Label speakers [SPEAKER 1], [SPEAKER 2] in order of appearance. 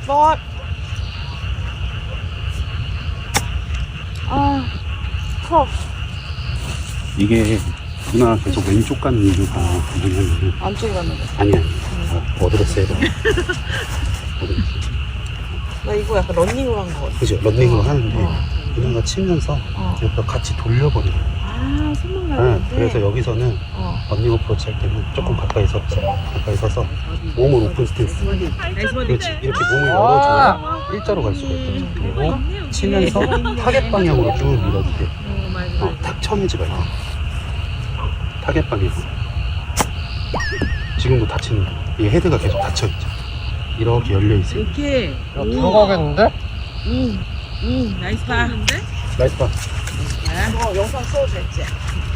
[SPEAKER 1] 번. 아, 커.
[SPEAKER 2] 이게 누나 계속 왼쪽 가는 이유가 뭐냐면
[SPEAKER 1] 안쪽에 갔는데.
[SPEAKER 2] 아니 어드레스 해봐.
[SPEAKER 1] 나 이거 약간 런닝으로 한 거 같아.
[SPEAKER 2] 그죠? 런닝으로 하는데 누나가 치면서 옆에 같이 돌려버리는 거야.
[SPEAKER 1] 아, 손만
[SPEAKER 2] 네,
[SPEAKER 1] 가는데.
[SPEAKER 2] 그래서 여기서는 런닝 어프로치 할 때는 조금 가까이 서서 몸을 오픈 스탠스. 그렇지. 이렇게 몸을 열어줘야 일자로 갈 수가 있거든. 그리고 치면서 타겟 방향으로 쭉 밀어줄게. 탁 쳐내지 말고. 타겟 방향. 지금도 닫히는 거. 이 헤드가 계속 닫혀있죠. 이렇게 열려있어요.
[SPEAKER 1] 이렇게.
[SPEAKER 3] 야, 들어가겠는데?
[SPEAKER 1] 나이스 파.
[SPEAKER 2] 나이스 봐.
[SPEAKER 1] 영상 써도 됐지?